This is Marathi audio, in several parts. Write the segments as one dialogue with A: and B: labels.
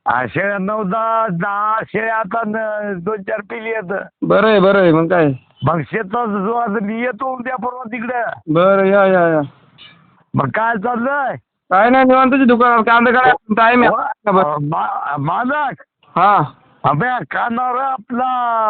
A: शेळ्या 9-10 शेळ्या आता 2-4 पिली आहेत.
B: बरं आहे मग काय.
A: मग शेतात जो आता मी येतो उद्या परवा तिकडे.
B: बरं या.
A: मग काय चाललंय?
B: काय नाही निवांत तुझ्या दुकानात कांदा काढायला टाइम आहे.
A: मालक
B: हा
A: अभ्या कानावर आपला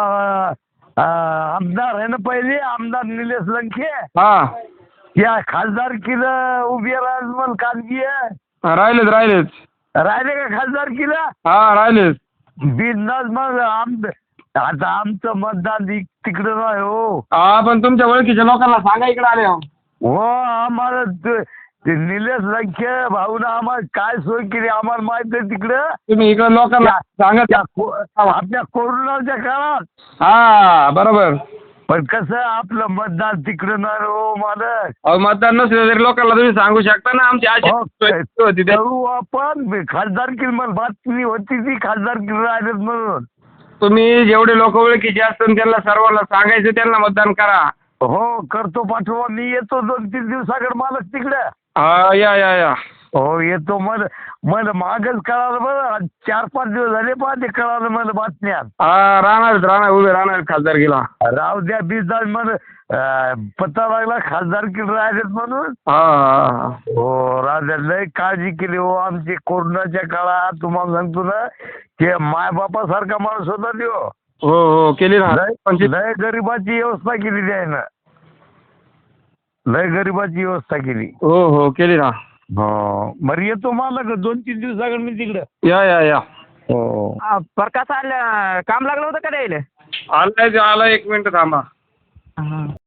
A: आमदार आहे ना पहिले आमदार निलेश लंके
B: हा
A: या खासदारकीला उभी राहिल मग कानगी
B: राहिलेच
A: राहिले का खासदारकीला?
B: हा राहिलेच.
A: बिनधास्त मग आता आमचं मतदान तिकडे नाही हो.
B: हा पण तुमच्या ओळखीच्या लोकांना सांगा इकडे आले.
A: हो आम्हाला ते निलेश लंके भाऊनं आम्हाला काय सोय केली आम्हाला माहित आहे तिकडं.
B: तुम्ही इकडे लोकांना सांगा
A: आपल्या कोरोनाच्या काळात.
B: हा बरोबर.
A: पण कसं आपलं मतदान तिकडं नाही हो मालक.
B: अहो मतदान नसलं तरी लोकांना तुम्ही सांगू शकता ना आमची अशी होती त्या.
A: करू आपण खासदारकी मला बातमी होती ती खासदारकी राहिलेत म्हणून.
B: तुम्ही जेवढे लोक ओळखीचे असतात त्यांना सर्वांना सांगायचं त्यांना मतदान करा.
A: हो करतो पाठवा मी येतो 2-3 दिवसाकडे मालक तिकडे.
B: हा या.
A: हो येतो मला मागच कळालं बरं 4-5 दिवस झाले ते कळालं मला बातम्यात.
B: हा राहणार उभे राहणार खासदारकीला.
A: राव द्या बिजदार मला पत्ता लागला खासदारकी राहिलेत म्हणून.
B: हा
A: हो राजा लय काळजी केली हो आमची कोरोनाच्या काळात. तुम्हाला सांगतो ना की मायबापासारखा माणूस होता तो.
B: हो केली ना.
A: लय गरिबाची व्यवस्था केली त्यानं. लय गरिबाची व्यवस्था केली.
B: हो केली ना.
A: हो बरं येतो मला 2-3 दिवसाकडे मी तिकडे.
B: या.
A: हो
C: प्रकाश आलं काम लागलं होतं का द्यायला?
B: आला 1 मिनिट थांबा.